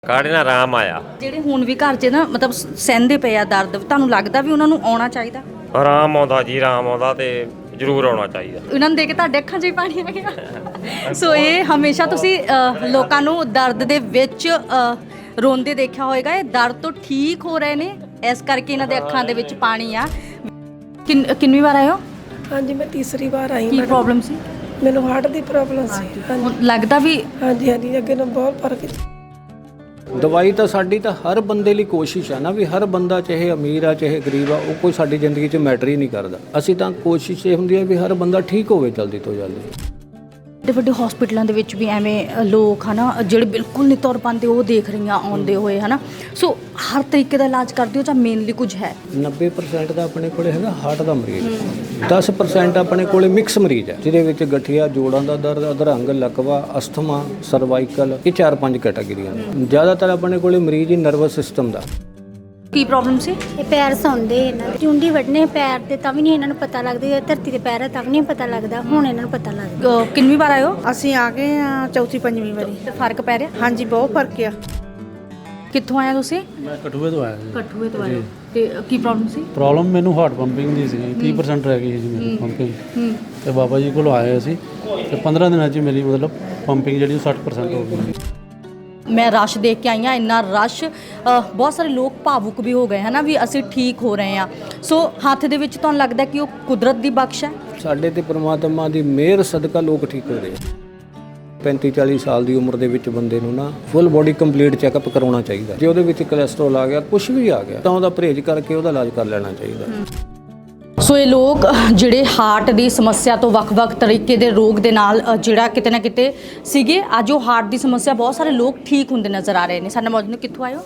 ਕਾੜੇ ਨਾਲ ਆਰਾਮ ਆਇਆ। ਜਿਹੜੇ ਹੁਣ ਵੀ ਘਰ 'ਚ ਨਾ ਮਤਲਬ ਸਹਿੰਦੇ ਪਏ ਆ ਦਰਦ, ਤੁਹਾਨੂੰ ਲੱਗਦਾ ਵੀ ਉਹਨਾਂ ਨੂੰ ਆਉਣਾ ਚਾਹੀਦਾ? ਆਰਾਮ ਆਉਂਦਾ ਜੀ, ਆਰਾਮ ਆਉਂਦਾ ਤੇ ਜ਼ਰੂਰ ਆਉਣਾ ਚਾਹੀਦਾ। ਉਹਨਾਂ ਨੂੰ ਦੇਖ ਕੇ ਤੁਹਾਡੇ ਅੱਖਾਂ 'ਚ ਵੀ ਪਾਣੀ ਆ ਗਿਆ। ਸੋ ਇਹ ਹਮੇਸ਼ਾ ਤੁਸੀਂ ਲੋਕਾਂ ਨੂੰ ਦਰਦ ਦੇ ਵਿੱਚ ਰੋਂਦੇ ਦੇਖਿਆ ਹੋਵੇਗਾ। ਇਹ ਦਰਦ ਤੋਂ ਠੀਕ ਹੋ ਰਹੇ ਨੇ, ਇਸ ਕਰਕੇ ਇਹਨਾਂ ਦੇ ਅੱਖਾਂ ਦੇ ਵਿੱਚ ਪਾਣੀ ਆ। ਕਿੰਨੀ ਵਾਰ ਆਏ ਹੋ? ਹਾਂਜੀ, ਮੈਂ ਤੀਸਰੀ ਵਾਰ ਆਈ। ਕੀ ਪ੍ਰੋਬਲਮ ਸੀ? ਮੈਨੂੰ ਹਾਰਟ ਦੀ ਪ੍ਰੋਬਲਮ ਸੀ। ਹੁਣ ਲੱਗਦਾ ਵੀ ਹਾਂਜੀ ਅੱਗੇ ਨਾਲ ਬਹੁਤ ਫਰਕ ਹੈ। ਦਵਾਈ ਤਾਂ ਸਾਡੀ ਤਾਂ ਹਰ ਬੰਦੇ ਲਈ ਕੋਸ਼ਿਸ਼ ਆ ਨਾ, ਵੀ ਹਰ ਬੰਦਾ ਚਾਹੇ ਅਮੀਰ ਆ ਚਾਹੇ ਗਰੀਬ ਆ, ਉਹ ਕੋਈ ਸਾਡੀ ਜ਼ਿੰਦਗੀ 'ਚ ਮੈਟਰ ਹੀ ਨਹੀਂ ਕਰਦਾ। ਅਸੀਂ ਤਾਂ ਕੋਸ਼ਿਸ਼ ਇਹ ਹੁੰਦੀ ਹੈ ਵੀ ਹਰ ਬੰਦਾ ਠੀਕ ਹੋਵੇ ਜਲਦੀ ਤੋਂ ਜਲਦੀ। ਵੱਡੇ ਵੱਡੇ ਹਸਪੀਟਲਾਂ ਦੇ ਵਿੱਚ ਵੀ ਐਵੇਂ ਲੋਕ ਹਨਾ ਜਿਹੜੇ ਬਿਲਕੁਲ ਨਹੀਂ ਤੁਰ ਪਾਉਂਦੇ, ਉਹ ਦੇਖ ਰਹੀਆਂ ਆਉਂਦੇ ਹੋਏ ਹਨਾ। ਸੋ ਹਰ ਤਰੀਕੇ ਦਾ ਇਲਾਜ ਕਰਦੇ ਹੋ ਜਾਂ ਮੇਨਲੀ ਕੁਝ ਹੈ? 90% ਦਾ ਆਪਣੇ ਕੋਲੇ ਹੈਗਾ ਹਾਰਟ ਦਾ ਮਰੀਜ਼, 10% ਆਪਣੇ ਕੋਲੇ ਮਿਕਸ ਮਰੀਜ਼ ਹੈ, ਜਿਹਦੇ ਵਿੱਚ ਗਠੀਆ, ਜੋੜਾਂ ਦਾ ਦਰਦ, ਅਧਰੰਗ, ਲਕਵਾ, ਅਸਥਮਾ, ਸਰਵਾਈਕਲ, ਇਹ 4-5 ਕੈਟਾਗਰੀਆਂ ਨੇ। ਜ਼ਿਆਦਾਤਰ ਆਪਣੇ ਕੋਲੇ ਮਰੀਜ਼ ਹੀ ਨਰਵਸ ਸਿਸਟਮ ਦਾ। ਕੀ ਪ੍ਰੋਬਲਮ ਸੀ? ਇਹ ਪੈਰ ਸੌਂਦੇ ਇਹਨਾਂ ਦੇ, ਚੁੰਡੀ ਵੱਢਣੇ ਪੈਰ ਤੇ ਤਾਂ ਵੀ ਨਹੀਂ ਇਹਨਾਂ ਨੂੰ ਪਤਾ ਲੱਗਦਾ। ਧਰਤੀ ਦੇ ਪੈਰ ਤਾਂ ਵੀ ਨਹੀਂ ਪਤਾ ਲੱਗਦਾ, ਹੁਣ ਇਹਨਾਂ ਨੂੰ ਪਤਾ ਲੱਗਦਾ। ਕਿੰਨੀ ਵਾਰ ਆਏ ਹੋ? ਅਸੀਂ ਆ ਗਏ ਆ ਚੌਥੀ ਪੰਜਵੀਂ ਵਾਰੀ। ਤੇ ਫਰਕ ਪੈ ਰਿਹਾ? ਹਾਂਜੀ, ਬਹੁਤ ਫਰਕ ਆ। ਕਿੱਥੋਂ ਆਏ ਤੁਸੀਂ? ਮੈਂ ਕਠੂਏ ਤੋਂ ਆਇਆ ਜੀ। ਕਠੂਏ ਤੋਂ ਆਏ ਹੋ। ਤੇ ਕੀ ਪ੍ਰੋਬਲਮ ਸੀ? ਪ੍ਰੋਬਲਮ ਮੈਨੂੰ ਹਾਰਟ ਪੰਪਿੰਗ ਦੀ ਸੀ, 30% ਰਹਿ ਗਈ ਸੀ ਮੇਰੀ ਪੰਪਿੰਗ। ਤੇ ਬਾਬਾ ਜੀ ਕੋਲ ਆਏ ਅਸੀਂ ਤੇ 15 ਦਿਨਾਂ 'ਚ ਮੇਰੀ ਮਤਲਬ ਪੰਪਿੰਗ ਜਿਹੜੀ 60% ਹੋ ਗਈ। ਮੈਂ ਰਸ਼ ਦੇਖ ਕੇ ਆਈ ਹਾਂ, ਇੰਨਾ ਰਸ਼, ਬਹੁਤ ਸਾਰੇ ਲੋਕ ਭਾਵੁਕ ਵੀ ਹੋ ਗਏ ਹੈ ਨਾ ਵੀ ਅਸੀਂ ਠੀਕ ਹੋ ਰਹੇ ਹਾਂ। ਸੋ ਹੱਥ ਦੇ ਵਿੱਚ ਤੁਹਾਨੂੰ ਲੱਗਦਾ ਕਿ ਉਹ ਕੁਦਰਤ ਦੀ ਬਖਸ਼ ਹੈ? ਸਾਡੇ ਤੇ ਪ੍ਰਮਾਤਮਾ ਦੀ ਮਿਹਰ ਸਦਕਾ ਲੋਕ ਠੀਕ ਹੋ ਰਹੇ ਆ। 35-40 ਸਾਲ ਦੀ ਉਮਰ ਦੇ ਵਿੱਚ ਬੰਦੇ ਨੂੰ ਨਾ ਫੁੱਲ ਬੋਡੀ ਕੰਪਲੀਟ ਚੈੱਕਅਪ ਕਰਾਉਣਾ ਚਾਹੀਦਾ। ਜੇ ਉਹਦੇ ਵਿੱਚ ਕੋਲੇਸਟ੍ਰੋਲ ਆ ਗਿਆ, ਕੁਝ ਵੀ ਆ ਗਿਆ, ਤਾਂ ਉਹਦਾ ਪਰਹੇਜ਼ ਕਰਕੇ ਉਹਦਾ ਇਲਾਜ ਕਰ ਲੈਣਾ ਚਾਹੀਦਾ। ਸੋ ਇਹ ਲੋਕ ਜਿਹੜੇ ਹਾਰਟ ਦੀ ਸਮੱਸਿਆ ਤੋਂ ਵੱਖ-ਵੱਖ ਤਰੀਕੇ ਦੇ ਰੋਗ ਦੇ ਨਾਲ ਜਿਹੜਾ ਕਿਤੇ ਨਾ ਕਿਤੇ ਸੀਗੇ, ਅੱਜ ਉਹ ਹਾਰਟ ਦੀ ਸਮੱਸਿਆ ਬਹੁਤ ਸਾਰੇ ਲੋਕ ਠੀਕ ਹੁੰਦੇ ਨਜ਼ਰ ਆ ਰਹੇ ਨੇ। ਸਾਡੇ ਮੌਜੂਦ ਨੇ। ਕਿੱਥੋਂ ਆਏ ਹੋ?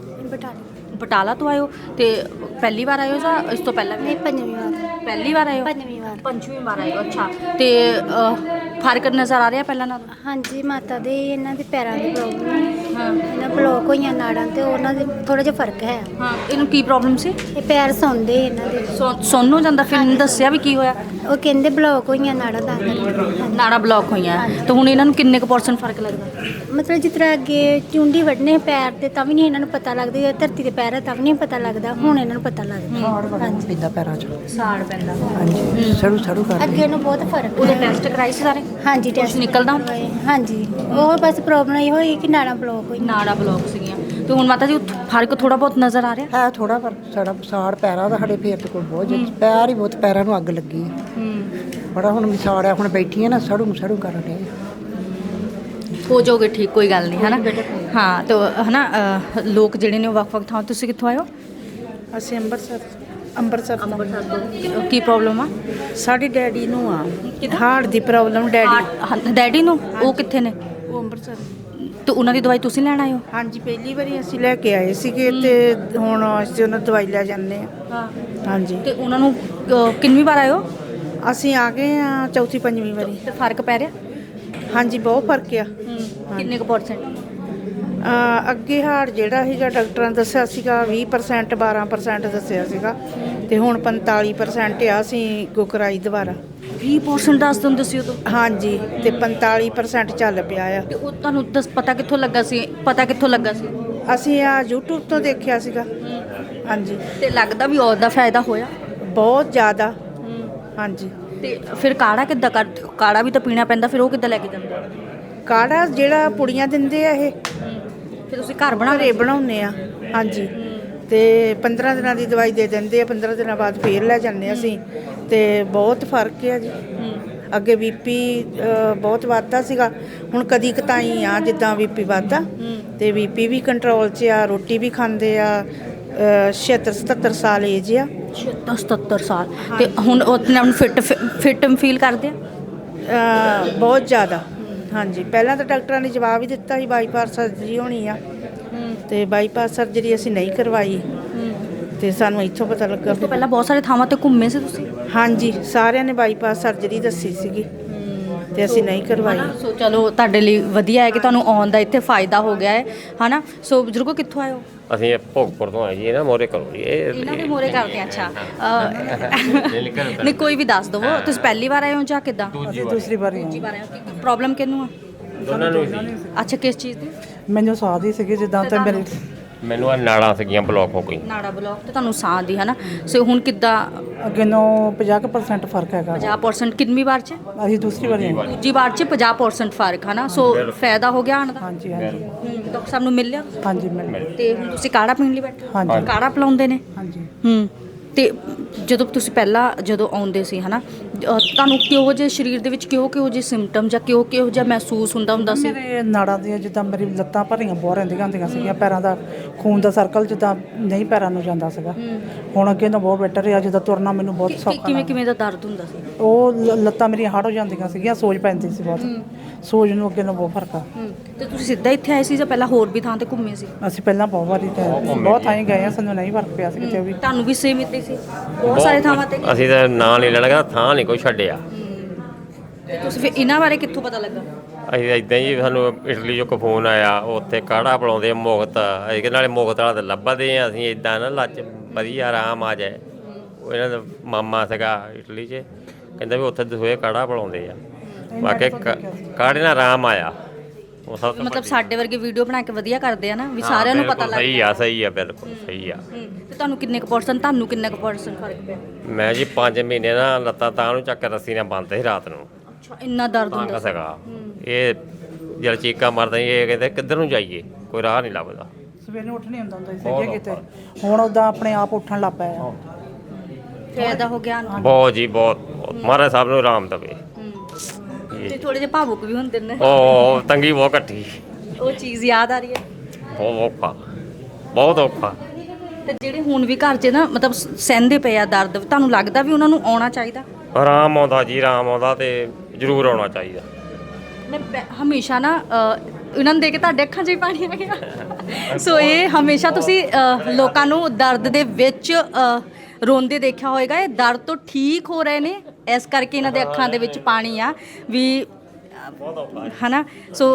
ਬਟਾਲਾ ਤੋਂ ਆਏ ਹੋ। ਤੇ ਪਹਿਲੀ ਵਾਰ ਆਏ ਹੋ ਜਾਂ ਇਸ ਤੋਂ ਪਹਿਲਾਂ ਵੀ? ਪੰਜਵੀਂ ਵਾਰ। ਪਹਿਲੀ ਵਾਰ ਆਏ ਹੋ? ਪੰਜਵੀਂ ਵਾਰ ਆਏ ਹੋ। ਅੱਛਾ, ਤੇ ਫਰਕ ਨਜ਼ਰ ਆ ਰਿਹਾ ਪਹਿਲਾਂ ਨਾਲੋਂ? ਹਾਂਜੀ, ਮਾਤਾ ਦੇ ਇਹਨਾਂ ਦੇ ਪੈਰਾਂ ਦੀ ਪ੍ਰੋਬਲਮ ਹੈ। ਇਹਨਾਂ ਬਲੋਕ ਹੋਈਆਂ ਨਾੜਾਂ ਤੇ ਉਹਨਾਂ ਦੇ ਥੋੜਾ ਜਿਹਾ ਫਰਕ ਹੈ। ਹਾਂ, ਇਹਨੂੰ ਕੀ ਪ੍ਰੋਬਲਮ ਸੀ? ਇਹ ਪੈਰ ਸੌਂਦੇ ਇਹਨਾਂ ਦੇ। ਸੁੰਨ ਹੋ ਜਾਂਦਾ? ਫਿਰ ਦੱਸਿਆ ਵੀ ਕੀ ਹੋਇਆ? ਉਹ ਕਹਿੰਦੇ ਬਲੋਕ ਹੋਈਆਂ ਨਾੜਾਂ ਦਾ ਕਰਕੇ। ਨਾੜਾਂ ਬਲੌਕ ਹੋਈਆਂ। ਤੇ ਹੁਣ ਇਹਨਾਂ ਨੂੰ ਕਿੰਨੇ ਕੁ % ਫਰਕ ਲੱਗਦਾ? ਮਤਲਬ ਜਿਸ ਤਰ੍ਹਾਂ ਅੱਗੇ ਚੁੰਡੀ ਵੱਢਣੇ ਪੈਰ ਤੇ ਤਾਂ ਵੀ ਨਹੀਂ ਇਹਨਾਂ ਨੂੰ ਪਤਾ ਲੱਗਦਾ। ਧਰਤੀ ਦੇ ਪੈਰ ਤਾਂ ਵੀ ਨਹੀਂ ਪਤਾ ਲੱਗਦਾ, ਹੁਣ ਇਹਨਾਂ ਨੂੰ ਪਤਾ ਲੱਗਦਾ। ਹਾਂਜੀ, ਪਿੰਦਾ ਪੈਰਾਂ 'ਚ। ਸਾੜ ਪੈਂਦਾ। ਹਾਂਜੀ, ਸਰੂ ਕਰ। ਅੱਗੇ ਨੂੰ ਬਹੁਤ ਫਰਕ ਉਹਦੇ ਹੈ। ਟੈਸਟ ਕਰਾਏ ਸੀ ਸਾਰੇ? ਹਾਂਜੀ, ਕੁਛ ਨਿਕਲਦਾ ਹੁਣ? ਹਾਂਜੀ, ਉਹ ਬਸ ਪ੍ਰੋਬਲਮ ਇਹ ਹੋਈ ਕਿ ਨਾੜਾਂ ਬਲੋਕ ਹੋਈ। ਨਾੜਾਂ ਬਲੌਕ ਸੀਗੀਆਂ। ਤੇ ਹੁਣ ਮਾਤਾ ਜੀ ਫਰਕ ਥੋੜਾ ਬਹੁਤ ਨਜ਼ਰ ਆ ਰਿਹਾ? ਹੈ ਥੋੜਾ ਪਰ ਸਾਡਾ ਸਾੜ ਪੈਰਾਂ ਦਾ ਸਾਡੇ ਫੇਰ ਤੇ ਕੋਲ ਬਹੁਤ ਪੈਰ ਹੀ ਬਹੁਤ, ਪੈਰਾਂ ਨੂੰ ਅੱਗ ਲੱਗੀ ਹੈ। ਬੜਾ ਹੁਣ ਵਿਸਾੜਿਆ, ਹੁਣ ਬੈਠੀਆਂ ਨਾ ਸੜੂ ਕਰਨ ਡਿਆ। ਹੋ ਜਾਓਗੇ ਠੀਕ, ਕੋਈ ਗੱਲ ਨਹੀਂ ਹੈ ਨਾ। ਹਾਂ, ਤੇ ਹੈ ਨਾ ਲੋਕ ਜਿਹੜੇ ਨੇ ਉਹ ਵੱਖ-ਵੱਖ ਥਾਂ। ਤੁਸੀਂ ਕਿੱਥੋਂ ਆਏ ਹੋ? ਅਸੀਂ ਅੰਮ੍ਰਿਤਸਰ ਤੋਂ। ਕੀ ਪ੍ਰੋਬਲਮ ਆ? ਸਾਡੇ ਡੈਡੀ ਨੂੰ ਆ ਹਾਰਟ ਦੀ ਪ੍ਰੋਬਲਮ। ਡੈਡੀ ਨੂੰ? ਉਹ ਕਿੱਥੇ ਨੇ? ਉਹ ਅੰਮ੍ਰਿਤਸਰ। ਤੇ ਉਹਨਾਂ ਦੀ ਦਵਾਈ ਤੁਸੀਂ ਲੈਣ ਆਏ ਹੋ? ਹਾਂਜੀ, ਪਹਿਲੀ ਵਾਰੀ ਅਸੀਂ ਲੈ ਕੇ ਆਏ ਸੀਗੇ ਤੇ ਹੁਣ ਅਸੀਂ ਉਹਨਾਂ ਦਵਾਈ ਲੈ ਜਾਂਦੇ ਆ। ਹਾਂ। ਹਾਂਜੀ, ਤੇ ਉਹਨਾਂ ਨੂੰ ਕਿੰਨੀ ਵਾਰ ਆਏ ਹੋ? ਅਸੀਂ ਆ ਗਏ ਆ ਚੌਥੀ ਪੰਜਵੀਂ ਵਾਰੀ। ਤੇ ਫਰਕ ਪੈ ਰਿਹਾ? ਹਾਂਜੀ, ਬਹੁਤ ਫਰਕ ਆ। ਕਿੰਨੇ ਕੁ %? ਅੱਗੇ ਹਾਰਟ ਜਿਹੜਾ ਸੀਗਾ ਡਾਕਟਰਾਂ ਨੇ ਦੱਸਿਆ ਸੀਗਾ 20%, 12% ਦੱਸਿਆ ਸੀਗਾ, ਤੇ ਹੁਣ 45% ਆ। ਅਸੀਂ ਕਰਾਈ ਦੁਬਾਰਾ। 20% ਦੱਸ ਦਿੰਦੇ ਸੀ ਉਦੋਂ? ਹਾਂਜੀ, ਤੇ 45% ਚੱਲ ਪਿਆ ਆ। ਤੇ ਉਹ ਤੁਹਾਨੂੰ ਪਤਾ ਕਿੱਥੋਂ ਲੱਗਾ ਸੀ? ਅਸੀਂ ਆ YouTube ਤੋਂ ਦੇਖਿਆ ਸੀਗਾ। ਹਾਂਜੀ, ਤੇ ਲੱਗਦਾ ਵੀ ਉਹਦਾ ਫਾਇਦਾ ਹੋਇਆ? ਬਹੁਤ ਜ਼ਿਆਦਾ। ਹਾਂਜੀ, ਤੇ ਫਿਰ ਕਾੜਾ ਕਿੱਦਾਂ ਕਰਦੇ ਹੋ? ਕਾੜਾ ਵੀ ਤਾਂ ਪੀਣਾ ਪੈਂਦਾ, ਫਿਰ ਉਹ ਕਿੱਦਾਂ ਲੈ ਕੇ ਜਾਂਦੇ ਹੋ? ਕਾੜਾ ਜਿਹੜਾ ਪੁੜੀਆਂ ਦਿੰਦੇ ਆ, ਇਹ ਫਿਰ ਤੁਸੀਂ ਘਰ ਬਣਾ ਘਰੇ ਬਣਾਉਂਦੇ ਆ। ਹਾਂਜੀ, ਤੇ 15 ਦਿਨਾਂ ਦੀ ਦਵਾਈ ਦੇ ਦਿੰਦੇ ਆ, 15 ਦਿਨਾਂ ਬਾਅਦ ਫੇਰ ਲੈ ਜਾਂਦੇ ਅਸੀਂ, ਤੇ ਬਹੁਤ ਫਰਕ ਹੈ ਜੀ। ਅੱਗੇ BP ਬਹੁਤ ਵੱਧਦਾ ਸੀਗਾ, ਹੁਣ ਕਦੀ ਕਤਾਈ ਆ ਜਿੱਦਾਂ BP ਵੱਧਦਾ, ਤੇ BP ਵੀ ਕੰਟਰੋਲ 'ਚ ਆ। ਰੋਟੀ ਵੀ ਖਾਂਦੇ ਆ। 76-77 ਸਾਲ ਏਜ ਆ। 77 ਸਾਲ। ਤੇ ਹੁਣ ਉਹ ਆਪਣੇ ਆਪ ਨੂੰ ਫਿੱਟ ਫੀਲ ਕਰਦੇ ਆ? ਬਹੁਤ ਜ਼ਿਆਦਾ। ਹਾਂਜੀ, ਪਹਿਲਾਂ ਤਾਂ ਡਾਕਟਰਾਂ ਨੇ ਜਵਾਬ ਹੀ ਦਿੱਤਾ ਸੀ ਬਾਈਪਾਸ ਸਰਜਰੀ ਹੋਣੀ ਆ, ਤੇ ਬਾਈਪਾਸ ਸਰਜਰੀ ਅਸੀਂ ਨਹੀਂ ਕਰਵਾਈ। ਤੇ ਸਾਨੂੰ ਇੱਥੋਂ ਪਤਾ ਲੱਗਾ। ਉਸ ਤੋਂ ਪਹਿਲਾਂ ਬਹੁਤ ਸਾਰੇ ਥਾਵਾਂ ਤੇ ਘੁੰਮੇ ਸੀ ਤੁਸੀਂ? ਹਾਂਜੀ, ਸਾਰਿਆਂ ਨੇ ਬਾਈਪਾਸ ਸਰਜਰੀ ਦੱਸੀ ਸੀਗੀ, ਤੇ ਅਸੀਂ ਨਹੀਂ ਕਰਵਾਈ। ਸੋ ਚਲੋ, ਤੁਹਾਡੇ ਲਈ ਵਧੀਆ ਹੈ ਕਿ ਤੁਹਾਨੂੰ ਆਉਣ ਦਾ ਇੱਥੇ ਫਾਇਦਾ ਹੋ ਗਿਆ ਹੈ, ਹੈ ਨਾ। ਸੋ ਬਜ਼ੁਰਗੋ, ਕਿੱਥੋਂ ਆਏ ਹੋ? ਅਸੀਂ ਭੋਗਪੁਰ ਤੋਂ ਆਏ ਜੀ। ਇਹਨਾਂ ਮੋਰੇ ਕਰੋ ਜੀ। ਇਹਨਾਂ ਦੇ ਮੋਰੇ ਕਰਦੇ ਆ। ਅੱਛਾ, ਨਹੀਂ ਕੋਈ ਵੀ ਦੱਸ ਦਵੋ। ਤੁਸੀਂ ਪਹਿਲੀ ਵਾਰ ਆਏ ਹੋ ਜਾਂ ਕਿੱਦਾਂ? ਦੂਸਰੀ ਵਾਰੀ। ਦੂਜੀ ਵਾਰ ਆਏ ਹੋ। ਪ੍ਰੋਬਲਮ ਕਿਹਨੂੰ ਆ? ਦੋਨਾਂ ਨੂੰ। ਅੱਛਾ, ਕਿਸ ਚੀਜ਼ ਦੀ? ਮੈਨੂੰ ਸਾਹ ਦੀ ਸੀਗੀ ਜਿੱਦਾਂ ਤੇ ਮੇਰੇ ਮੈਨੂੰ ਆ ਨਾੜਾਂ ਸੀਗੀਆਂ ਬਲੌਕ ਹੋ ਗਈ। ਨਾੜਾ ਬਲੌਕ ਤੇ ਤੁਹਾਨੂੰ ਸਾਹ ਦੀ ਹਨਾ। ਸੋ ਹੁਣ ਕਿੱਦਾਂ? ਅੱਗੇ ਨੂੰ 50% ਫਰਕ ਹੈਗਾ। 50% ਕਿੰਨੀ ਵਾਰ ਚ? ਅਸੀਂ ਦੂਸਰੀ ਵਾਰੀ ਆਏ। ਦੂਜੀ ਵਾਰ ਚ 50% ਫਰਕ ਹਨਾ। ਸੋ ਫਾਇਦਾ ਹੋ ਗਿਆ ਆਉਣ ਦਾ। ਹਾਂਜੀ ਹਾਂਜੀ ਡਾਕਟਰ ਸਾਹਿਬ ਨੂੰ ਮਿਲ ਲਿਆ ਹਾਂਜੀ ਮੈਂ ਤੇ ਹੁਣ ਤੁਸੀਂ ਕਾੜਾ ਪੀਣ ਲਈ ਬੈਠੇ? ਹਾਂਜੀ। ਕਾੜਾ ਪਿਲਾਉਂਦੇ ਨੇ? ਹਾਂਜੀ। ਤੇ ਜਦੋਂ ਤੁਸੀਂ ਪਹਿਲਾਂ ਜਦੋਂ ਆਉਂਦੇ ਸੀ ਹਨਾ, ਤੁਹਾਨੂੰ ਕਿਹੋ ਜਿਹੇ ਸਰੀਰ ਦੇ ਵਿੱਚ ਕਿਹੋ ਜਿਹੇ ਸਿੰਪਟਮ ਜਾਂ ਕਿਹੋ ਜਿਹਾ ਮਹਿਸੂਸ ਹੁੰਦਾ ਸੀ? ਮੇਰੇ ਨਾੜਾਂ ਦੀਆਂ ਜਿੱਦਾਂ ਮੇਰੀ ਲੱਤਾਂ ਭਰੀਆਂ ਬਹੁਤ ਰਹਿੰਦੀਆਂ ਹੁੰਦੀਆਂ ਸੀਗੀਆਂ, ਪੈਰਾਂ ਦਾ ਖੂਨ ਦਾ ਸਰਕਲ ਜਿੱਦਾਂ ਨਹੀਂ ਪੈਰਾਂ ਨੂੰ ਜਾਂਦਾ ਸੀਗਾ। ਹੁਣ ਅੱਗੇ ਤਾਂ ਬਹੁਤ ਬੈਟਰ ਆ, ਜਿੱਦਾਂ ਤੁਰਨਾ ਮੈਨੂੰ ਬਹੁਤ ਸੌਖਾ। ਕਿਵੇਂ ਦਾ ਦਰਦ ਹੁੰਦਾ ਸੀ? ਉਹ ਲੱਤਾਂ ਮੇਰੀਆਂ ਹਾਰਡ ਹੋ ਜਾਂਦੀਆਂ ਸੀਗੀਆਂ, ਸੋਜ ਪੈਂਦੀ ਸੀ ਬਹੁਤ। ਸੋਜ ਨੂੰ ਅੱਗੇ ਨੂੰ ਬਹੁਤ ਫਰਕ ਆ। ਤੇ ਤੁਸੀਂ ਸਿੱਧਾ ਇੱਥੇ ਆਏ ਸੀ ਜਾਂ ਪਹਿਲਾਂ ਹੋਰ ਵੀ ਥਾਂ ਤੇ ਘੁੰਮੇ ਸੀ? ਅਸੀਂ ਪਹਿਲਾਂ ਬਹੁਤ ਵਾਰੀ ਬਹੁਤ ਥਾਈਂ ਗਏ ਆ, ਸਾਨੂੰ ਨਹੀਂ ਫਰਕ ਪਿਆ ਸੀ ਕਿਤੇ ਵੀ। ਤੁਹਾਨੂੰ ਵੀ ਸੇਮ ਇੱਦਾਂ ਸੀ? ਬਹੁਤ ਸਾਰੇ ਥਾਵਾਂ ਤੇ? ਅਸੀਂ ਤਾਂ ਨਾਂ ਨਹੀਂ ਲੈਣਾ, ਥਾਂ ਨਹੀਂ ਕੋਈ ਛੱਡਿਆ। ਤੇ ਤੁਸੀਂ ਫਿਰ ਇਹਨਾਂ ਬਾਰੇ ਕਿੱਥੋਂ ਪਤਾ ਲੱਗਾ? ਅਸੀਂ ਇਦਾਂ ਹੀ ਸਾਨੂੰ ਇਟਲੀ ਚੋਂ ਇੱਕ ਫੋਨ ਆਇਆ, ਉੱਥੇ ਕਾੜਾ ਪਿਲਾਉਂਦੇ ਮੁਕਤ। ਅਸੀਂ ਕਿ ਨਾਲੇ ਮੁਕਤ ਵਾਲਾ ਤਾਂ ਲੱਭਦੇ ਆ ਅਸੀਂ, ਇਦਾਂ ਨਾ ਲੱਚ ਵਧੀਆ ਆਰਾਮ ਆ ਜਾਏ। ਉਹ ਇਹਨਾਂ ਦਾ ਮਾਮਾ ਸੀਗਾ ਇਟਲੀ 'ਚ, ਕਹਿੰਦਾ ਵੀ ਉੱਥੇ ਦਸੂਏ ਕਾੜਾ ਪਿਲਾਉਂਦੇ ਆ। ਬਾਕੀ ਕਾੜੇ ਨਾਲ ਆਰਾਮ ਆਇਆ। ਉਹ ਸਭ ਤੋਂ ਮਤਲਬ ਸਾਡੇ ਵਰਗੇ ਵੀਡੀਓ ਬਣਾ ਕੇ ਵਧੀਆ ਕਰਦੇ ਆ ਨਾ, ਵੀ ਸਾਰਿਆਂ ਨੂੰ ਪਤਾ ਲੱਗ ਸਹੀ ਆ ਬਿਲਕੁਲ ਸਹੀ ਆ। ਤੇ ਤੁਹਾਨੂੰ ਕਿੰਨੇ ਕੁ ਪਰਸੈਂਟ ਫਰਕ ਪਿਆ? ਮੈਂ ਜੀ 5 ਮਹੀਨੇ ਨਾ ਲੱਤਾਂ ਤਾਂ ਨੂੰ ਚੱਕ ਕੇ ਰੱਸੀ ਨਾਲ ਬੰਨ੍ਹਦੇ ਸੀ ਰਾਤ ਨੂੰ। ਅੱਛਾ, ਇੰਨਾ ਦਰਦ ਹੁੰਦਾ ਸੀ? ਸੀਗਾ ਇਹ ਜਦ ਚੀਕਾਂ ਮਾਰਦਾ ਇਹ ਕਹਿੰਦੇ ਕਿੱਧਰ ਨੂੰ ਜਾਈਏ, ਕੋਈ ਰਾਹ ਨਹੀਂ ਲੱਭਦਾ। ਸਵੇਰ ਨੂੰ ਉੱਠ ਨਹੀਂ ਹੁੰਦਾ ਸੀ ਕਿਤੇ, ਹੁਣ ਉਦਾਂ ਆਪਣੇ ਆਪ ਉੱਠਣ ਲੱਗ ਪਿਆ। ਫਾਇਦਾ ਹੋ ਗਿਆ? ਬਹੁਤ ਜੀ ਬਹੁਤ। ਮਹਾਰਾਜ ਸਾਹਿਬ ਨੂੰ ਆਰਾਮ ਦੇਵੇ। ਤੇ ਥੋੜੇ ਜਿਹਾ ਭਾਵੁਕ ਵੀ ਹੁੰਦੇ ਨੇ। ਉਹ ਤੰਗੀ ਬਹੁਤ ਘੱਟੀ, ਉਹ ਚੀਜ਼ ਯਾਦ ਆ ਰਹੀ ਹੈ? ਬਹੁਤ ਔਖਾ। ਤੇ ਜਿਹੜੇ ਹੁਣ ਵੀ ਘਰ 'ਚ ਨਾ ਮਤਲਬ ਸਹਿੰਦੇ ਪਏ ਆ ਦਰਦ, ਤੁਹਾਨੂੰ ਲੱਗਦਾ ਵੀ ਉਹਨਾਂ ਨੂੰ ਆਉਣਾ ਚਾਹੀਦਾ? ਆਰਾਮ ਆਉਂਦਾ ਜੀ, ਆਰਾਮ ਆਉਂਦਾ ਤੇ ਜ਼ਰੂਰ ਆਉਣਾ ਚਾਹੀਦਾ। ਮੈਂ ਹਮੇਸ਼ਾ ਨਾ ਇਹਨਾਂ ਨੂੰ ਦੇਖ ਕੇ ਤੁਹਾਡੇ ਅੱਖਾਂ 'ਚ ਹੀ ਪਾਣੀ ਆ ਗਿਆ। ਸੋ ਇਹ ਹਮੇਸ਼ਾ ਤੁਸੀਂ ਲੋਕਾਂ ਨੂੰ ਦਰਦ ਦੇ ਵਿੱਚ ਰੋਂਦੇ ਦੇਖਿਆ ਹੋਏਗਾ। ਇਹ ਦਰਦ ਤੋਂ ਠੀਕ ਹੋ ਰਹੇ ਨੇ, ਇਸ ਕਰਕੇ ਇਹਨਾਂ ਦੇ ਅੱਖਾਂ ਦੇ ਵਿੱਚ ਪਾਣੀ ਆ ਵੀ ਹਨਾ। ਸੋ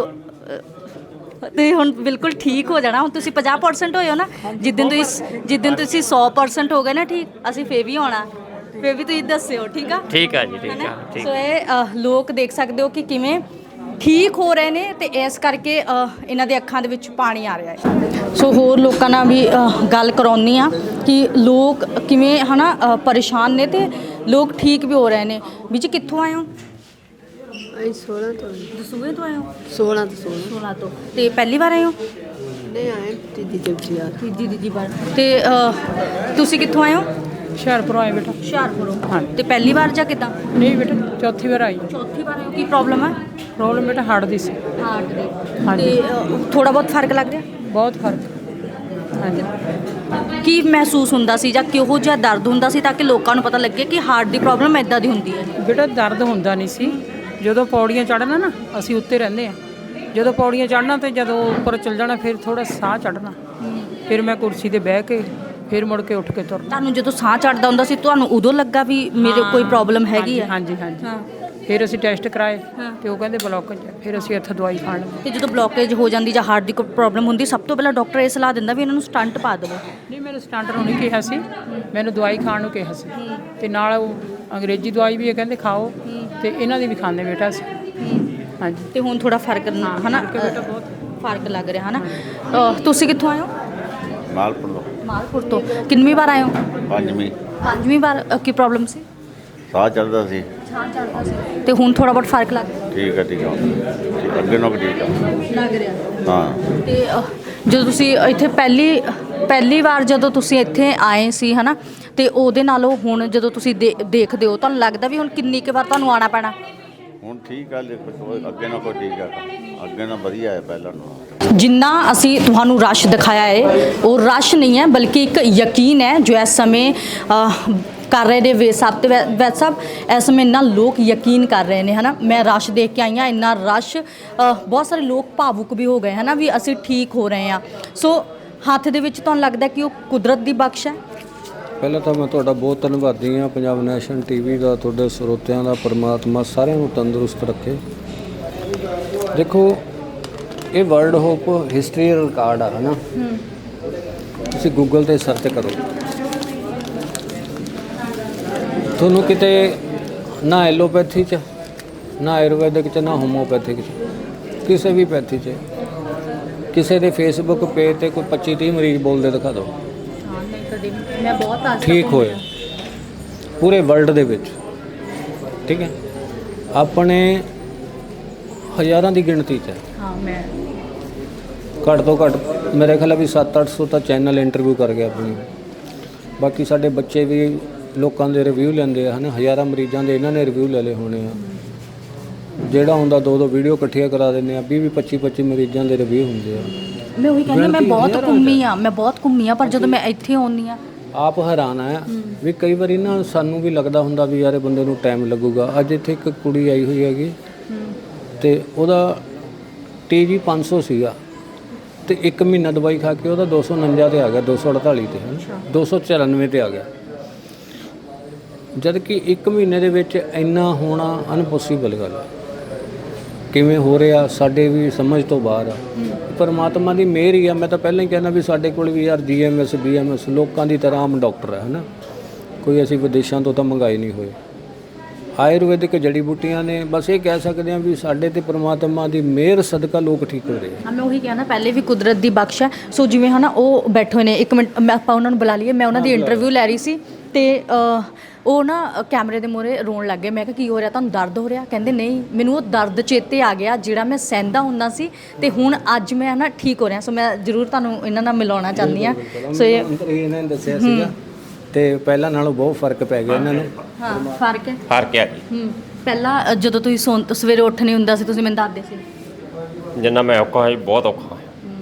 ਤੇ ਹੁਣ ਬਿਲਕੁਲ ਠੀਕ ਹੋ ਜਾਣਾ। ਹੁਣ ਤੁਸੀਂ 50% ਹੋਏ ਹੋ ਨਾ, ਜਿੱਦਣ ਤੁਸੀਂ 100% ਹੋ ਗਏ ਨਾ ਠੀਕ, ਅਸੀਂ ਫੇਰ ਵੀ ਆਉਣਾ, ਫੇਰ ਵੀ ਤੁਸੀਂ ਦੱਸਿਓ। ਠੀਕ ਆ? ਠੀਕ ਆ ਜੀ, ਠੀਕ ਆ। ਠੀਕ। ਸੋ ਇਹ ਲੋਕ ਦੇਖ ਸਕਦੇ ਹੋ ਕਿ ਕਿਵੇਂ ਠੀਕ ਹੋ ਰਹੇ ਨੇ ਤੇ ਇਸ ਕਰਕੇ ਇਹਨਾਂ ਦੇ ਅੱਖਾਂ ਦੇ ਵਿੱਚ ਪਾਣੀ ਆ ਰਿਹਾ ਹੈ। ਸੋ ਹੋਰ ਲੋਕਾਂ ਨਾਲ ਵੀ ਗੱਲ ਕਰਾਉਣੀ ਆ ਕਿ ਲੋਕ ਕਿਵੇਂ ਹਨਾ ਪਰੇਸ਼ਾਨ ਨੇ ਤੇ ਲੋਕ ਠੀਕ ਵੀ ਹੋ ਰਹੇ ਨੇ। ਵੀ ਜੀ ਕਿੱਥੋਂ ਆਏ ਹੋ? ਅਸੀਂ 16 ਤੋਂ ਦਸੂਹੇ ਤੋਂ ਆਏ ਹੋ? 16 ਤੋਂ। ਤੇ ਪਹਿਲੀ ਵਾਰ ਆਏ ਹੋ? ਨਹੀਂ ਆਏ ਤੀਜੀ ਵਾਰ। ਤੇ ਤੁਸੀਂ ਕਿੱਥੋਂ ਆਏ ਹੋ? ਹੁਸ਼ਿਆਰਪੁਰ ਆਏ ਬੇਟਾ। ਹੁਸ਼ਿਆਰਪੁਰੋਂ। ਤੇ ਪਹਿਲੀ ਵਾਰ ਜਾਂ ਕਿੱਦਾਂ? ਨਹੀਂ ਬੇਟਾ, ਚੌਥੀ ਵਾਰ ਆਈ। ਚੌਥੀ ਵਾਰ ਆਏ ਹੋ। ਕੀ ਪ੍ਰੋਬਲਮ ਹੈ? ਪ੍ਰੋਬਲਮ ਬੇਟਾ ਹਾਰਟ ਦੀ ਸੀ। ਹਾਰਟ ਦੀ। ਹਾਂਜੀ। ਤੇ ਥੋੜਾ ਬਹੁਤ ਫਰਕ ਲੱਗ ਰਿਹਾ? ਬਹੁਤ ਫਰਕ। ਹਾਂਜੀ। ਕੀ ਮਹਿਸੂਸ ਹੁੰਦਾ ਸੀ ਜਾਂ ਕਿਹੋ ਜਿਹਾ ਦਰਦ ਹੁੰਦਾ ਸੀ ਤਾਂ ਕਿ ਲੋਕਾਂ ਨੂੰ ਪਤਾ ਲੱਗੇ ਕਿ ਹਾਰਟ ਦੀ ਪ੍ਰੋਬਲਮ ਇਦਾਂ ਦੀ ਹੁੰਦੀ ਹੈ? ਬੇਟਾ ਦਰਦ ਹੁੰਦਾ ਨਹੀਂ ਸੀ। ਜਦੋਂ ਪੌੜੀਆਂ ਚੜ੍ਹਨਾ ਨਾ, ਅਸੀਂ ਉੱਤੇ ਰਹਿੰਦੇ ਆ, ਜਦੋਂ ਪੌੜੀਆਂ ਚੜ੍ਹਨਾ ਤੇ ਜਦੋਂ ਉੱਪਰ ਚੱਲ ਜਾਣਾ ਫਿਰ ਥੋੜਾ ਸਾਹ ਚੜ੍ਹਨਾ, ਫਿਰ ਮੈਂ ਕੁਰਸੀ ਤੇ ਬਹਿ ਕੇ ਫਿਰ ਮੁੜ ਕੇ ਉੱਠ ਕੇ ਤੁਰਨਾ। ਤੁਹਾਨੂੰ ਜਦੋਂ ਸਾਹ ਚੜ੍ਹਦਾ ਹੁੰਦਾ ਸੀ ਤੁਹਾਨੂੰ ਉਦੋਂ ਲੱਗਾ ਵੀ ਮੇਰੇ ਕੋਈ ਪ੍ਰੋਬਲਮ ਹੈਗੀ ਹੈ? ਹਾਂਜੀ। ਫਿਰ ਅਸੀਂ ਟੈਸਟ ਕਰਾਏ ਤੇ ਉਹ ਕਹਿੰਦੇ ਬਲੌਕੇਜ ਹੈ। ਫਿਰ ਅਸੀਂ ਇੱਥੇ ਦਵਾਈ ਖਾਣ ਲੱਗੇ। ਤੇ ਜਦੋਂ ਬਲੌਕੇਜ ਹੋ ਜਾਂਦੀ ਜਾਂ ਹਾਰਟ ਦੀ ਕੋਈ ਪ੍ਰੋਬਲਮ ਹੁੰਦੀ, ਸਭ ਤੋਂ ਪਹਿਲਾਂ ਡਾਕਟਰ ਇਹ ਸਲਾਹ ਦਿੰਦਾ ਵੀ ਇਹਨਾਂ ਨੂੰ ਸਟੰਟ ਪਾ ਦੇਵੋ? ਨਹੀਂ, ਮੈਨੂੰ ਸਟੰਟ ਨੂੰ ਨਹੀਂ ਕਿਹਾ ਸੀ, ਮੈਨੂੰ ਦਵਾਈ ਖਾਣ ਨੂੰ ਕਿਹਾ ਸੀ। ਤੇ ਨਾਲ ਉਹ ਅੰਗਰੇਜ਼ੀ ਦਵਾਈ ਵੀ ਇਹ ਕਹਿੰਦੇ ਖਾਓ, ਤੇ ਇਹਨਾਂ ਦੀ ਵੀ ਖਾਂਦੇ ਬੇਟਾ ਅਸੀਂ। ਹਾਂਜੀ। ਤੇ ਹੁਣ ਥੋੜਾ ਫਰਕ ਹਨਾ, ਬਹੁਤ ਫਰਕ ਲੱਗ ਰਿਹਾ ਹਨਾ। ਤੁਸੀਂ ਕਿੱਥੋਂ ਆਏ ਹੋ? ਮਾਲਪੁਰ ਤੋਂ। ਕਿੰਨੀ ਵਾਰ ਆਏ ਹੋ? ਪੰਜਵੀਂ ਵਾਰ। ਕੀ ਪ੍ਰੋਬਲਮ ਸੀ? ਸਾਹ ਚੜਦਾ ਸੀ। ਤੇ ਹੁਣ ਥੋੜਾ ਬਹੁਤ ਫਰਕ ਲੱਗ ਰਿਹਾ? ਠੀਕ ਆ ਅੱਗੇ ਨਾਲੋਂ ਠੀਕ ਆ ਲੱਗ ਰਿਹਾ। ਹਾਂ। ਤੇ ਜਦੋਂ ਤੁਸੀਂ ਇੱਥੇ ਪਹਿਲੀ ਵਾਰ ਜਦੋਂ ਤੁਸੀਂ ਇੱਥੇ ਆਏ ਸੀ ਹਨਾ, ਤੇ ਉਹਦੇ ਨਾਲੋਂ ਹੁਣ ਜਦੋਂ ਤੁਸੀਂ ਦੇਖਦੇ ਹੋ ਤੁਹਾਨੂੰ ਲੱਗਦਾ ਵੀ ਹੁਣ ਕਿੰਨੀ ਕੁ ਵਾਰ ਤੁਹਾਨੂੰ ਆਉਣਾ ਪੈਣਾ? ਹੁਣ ਠੀਕ ਆ, ਅੱਗੇ ਨਾਲ ਕੋਈ ਠੀਕ ਆ, ਅੱਗੇ ਨਾਲ ਵਧੀਆ ਹੈ ਪਹਿਲਾਂ ਨਾਲੋਂ। ਜਿੰਨਾ ਅਸੀਂ ਤੁਹਾਨੂੰ ਰਸ਼ ਦਿਖਾਇਆ ਹੈ ਉਹ ਰਸ਼ ਨਹੀਂ ਹੈ, ਬਲਕਿ ਇੱਕ ਯਕੀਨ ਹੈ ਜੋ ਇਸ ਸਮੇਂ ਕਰ ਰਹੇ ਨੇ ਵੇਦ ਸਾਹਿਬ ਤੇ ਵੈਦ ਸਾਹਿਬ। ਇਸ ਸਮੇਂ ਇੰਨਾ ਲੋਕ ਯਕੀਨ ਕਰ ਰਹੇ ਨੇ ਹਨਾ। ਮੈਂ ਰਸ਼ ਦੇਖ ਕੇ ਆਈ ਹਾਂ, ਇੰਨਾ ਰਸ਼, ਬਹੁਤ ਸਾਰੇ ਲੋਕ ਭਾਵੁਕ ਵੀ ਹੋ ਗਏ ਹਨਾ ਵੀ ਅਸੀਂ ਠੀਕ ਹੋ ਰਹੇ ਹਾਂ। ਸੋ ਹੱਥ ਦੇ ਵਿੱਚ ਤੁਹਾਨੂੰ ਲੱਗਦਾ ਕਿ ਉਹ ਕੁਦਰਤ ਦੀ ਬਖਸ਼ ਹੈ? ਪਹਿਲਾਂ ਤਾਂ ਮੈਂ ਤੁਹਾਡਾ ਬਹੁਤ ਧੰਨਵਾਦੀ ਹਾਂ, ਪੰਜਾਬ ਨੈਸ਼ਨਲ ਟੀਵੀ ਦਾ, ਤੁਹਾਡੇ ਸਰੋਤਿਆਂ ਦਾ। ਪਰਮਾਤਮਾ ਸਾਰਿਆਂ ਨੂੰ ਤੰਦਰੁਸਤ ਰੱਖੇ। ਦੇਖੋ, ਇਹ ਵਰਲਡ ਹੋਪ ਹਿਸਟਰੀ ਰਿਕਾਰਡ ਆ ਹਨਾ। ਤੁਸੀਂ ਗੂਗਲ ਤੇ ਸਰਚ ਕਰੋ, ਤੁਹਾਨੂੰ ਕਿਤੇ ਨਾ ਐਲੋਪੈਥੀ 'ਚ, ਨਾ ਆਯੁਰਵੈਦਿਕ 'ਚ, ਨਾ ਹੋਮੋਪੈਥਿਕ 'ਚ, ਕਿਸੇ ਵੀ ਪੈਥੀ 'ਚ ਕਿਸੇ ਦੇ ਫੇਸਬੁੱਕ ਪੇਜ ਤੇ ਕੋਈ 25-30 ਮਰੀਜ਼ ਬੋਲਦੇ ਦਿਖਾ ਦਿਓ ਹਾਂ ਨਹੀਂ ਕਦੇ ਮੈਂ ਬਹੁਤ ਅੱਜ ਠੀਕ ਹੋਏ ਪੂਰੇ ਵਰਲਡ ਦੇ ਵਿੱਚ। ਠੀਕ ਹੈ, ਆਪਣੇ ਹਜ਼ਾਰਾਂ ਦੀ ਗਿਣਤੀ 'ਚ ਹੈ। ਹਾਂ ਮੈਂ ਘੱਟ ਤੋਂ ਘੱਟ ਮੇਰੇ ਖਿਆਲ ਵੀ 700-800 ਤਾਂ ਚੈਨਲ ਇੰਟਰਵਿਊ ਕਰ ਗਿਆ ਆਪਣੀ। ਬਾਕੀ ਸਾਡੇ ਬੱਚੇ ਵੀ ਲੋਕਾਂ ਦੇ ਰਿਵਿਊ ਲੈਂਦੇ ਆ, ਹਜ਼ਾਰਾਂ ਮਰੀਜ਼ਾਂ ਦੇ ਇਹਨਾਂ ਨੇ ਰਿਵਿਊ ਲੈ ਲਏ ਹੋਣੇ ਆ। ਜਿਹੜਾ ਹੁੰਦਾ 2-2 ਵੀਡੀਓ ਇਕੱਠੀਆਂ ਕਰਾ ਦਿੰਦੇ ਆ, 20-25 ਮਰੀਜ਼ਾਂ ਦੇ ਰਿਵਿਊ ਹੁੰਦੇ ਆ। ਮੈਂ ਉਹੀ ਕਹਿੰਦੀ ਮੈਂ ਬਹੁਤ ਘੁੰਮੀ ਆ ਪਰ ਜਦੋਂ ਮੈਂ ਇੱਥੇ ਆਉਂਦੀ ਆ ਆਪ ਹੈਰਾਨ ਆ ਵੀ ਕਈ ਵਾਰੀ ਨਾ ਸਾਨੂੰ ਵੀ ਲੱਗਦਾ ਹੁੰਦਾ ਵੀ ਯਾਰ ਇਹ ਬੰਦੇ ਨੂੰ ਟਾਈਮ ਲੱਗੂਗਾ। ਅੱਜ ਇੱਥੇ ਇੱਕ ਕੁੜੀ ਆਈ ਹੋਈ ਹੈਗੀ ਤੇ ਉਹਦਾ TG 500 ਸੀਗਾ ਤੇ 1 ਮਹੀਨਾ ਦਵਾਈ ਖਾ ਕੇ ਉਹਦਾ 249 ਤੇ ਆ ਗਿਆ, 248 ਤੇ 294 ਤੇ ਆ ਗਿਆ। ਜਦ ਕਿ 1 ਮਹੀਨੇ ਦੇ ਵਿੱਚ ਇੰਨਾ ਹੋਣਾ ਅਨਪੋਸੀਬਲ ਗੱਲ ਹੈ। ਕਿਵੇਂ ਹੋ ਰਿਹਾ ਸਾਡੇ ਵੀ ਸਮਝ ਤੋਂ ਬਾਹਰ ਆ। ਪਰਮਾਤਮਾ ਦੀ ਮਿਹਰ ਹੀ ਆ। ਮੈਂ ਤਾਂ ਪਹਿਲਾਂ ਹੀ ਕਹਿੰਦਾ ਵੀ ਸਾਡੇ ਕੋਲ ਵੀ ਯਾਰ GMS BMS ਲੋਕਾਂ ਦੀ ਤਰ੍ਹਾਂ ਆਮ ਡਾਕਟਰ ਹੈ ਕੋਈ ਅਸੀਂ ਵਿਦੇਸ਼ਾਂ ਤੋਂ ਤਾਂ ਮੰਗਾਏ ਨਹੀਂ ਹੋਏ। ਆਯੁਰਵੈਦਿਕ ਜੜੀ ਬੂਟੀਆਂ ਨੇ, ਬਸ ਇਹ ਕਹਿ ਸਕਦੇ ਹਾਂ ਵੀ ਸਾਡੇ ਤੇ ਪਰਮਾਤਮਾ ਦੀ ਮਿਹਰ ਸਦਕਾ ਲੋਕ ਠੀਕ ਹੋ ਰਹੇ ਆ। ਮੈਂ ਉਹੀ ਕਹਿਣਾ ਪਹਿਲੇ ਵੀ ਕੁਦਰਤ ਦੀ ਬਖਸ਼ ਹੈ। ਸੋ ਜਿਵੇਂ ਉਹ ਬੈਠੇ ਹੋਏ ਨੇ, 1 ਮਿੰਟ ਆਪਾਂ ਉਹਨਾਂ ਨੂੰ ਬੁਲਾ ਲਈਏ। ਮੈਂ ਉਹਨਾਂ ਦੀ ਇੰਟਰਵਿਊ ਲੈ ਰਹੀ ਸੀ ਤੇ ਉਹ ਨਾ ਕੈਮਰੇ ਦੇ ਮੂਹਰੇ ਰੋਣ ਲੱਗ ਗਏ। ਮੈਂ ਕਿਹਾ ਕੀ ਹੋ ਰਿਹਾ, ਤੁਹਾਨੂੰ ਦਰਦ ਹੋ ਰਿਹਾ? ਕਹਿੰਦੇ ਨਹੀਂ, ਮੈਨੂੰ ਉਹ ਦਰਦ ਚੇਤੇ ਆ ਗਿਆ ਜਿਹੜਾ ਮੈਂ ਸਹਿੰਦਾ ਹੁੰਦਾ ਸੀ ਤੇ ਹੁਣ ਅੱਜ ਮੈਂ ਠੀਕ ਹੋ ਰਿਹਾ। ਸੋ ਮੈਂ ਜ਼ਰੂਰ ਤੁਹਾਨੂੰ ਇਹਨਾਂ ਨਾਲ ਮਿਲਾਉਣਾ ਚਾਹੁੰਦੀ ਹਾਂ। ਸੋ ਇਹਨਾਂ ਨੇ ਦੱਸਿਆ ਸੀਗਾ ਤੇ ਪਹਿਲਾਂ ਨਾਲੋਂ ਬਹੁਤ ਫਰਕ ਪੈ ਗਿਆ ਇਹਨਾਂ ਨੂੰ। ਹਾਂ ਫਰਕ ਹੈ ਆ ਜੀ। ਪਹਿਲਾਂ ਜਦੋਂ ਤੁਸੀਂ ਸਵੇਰੇ ਉੱਠ ਨਹੀਂ ਹੁੰਦਾ ਸੀ ਤੁਸੀਂ ਮੈਨੂੰ ਦੱਸਦੇ ਸੀ ਜਿੰਨਾ ਮੈਂ ਔਖਾ ਸੀ, ਬਹੁਤ ਔਖਾ।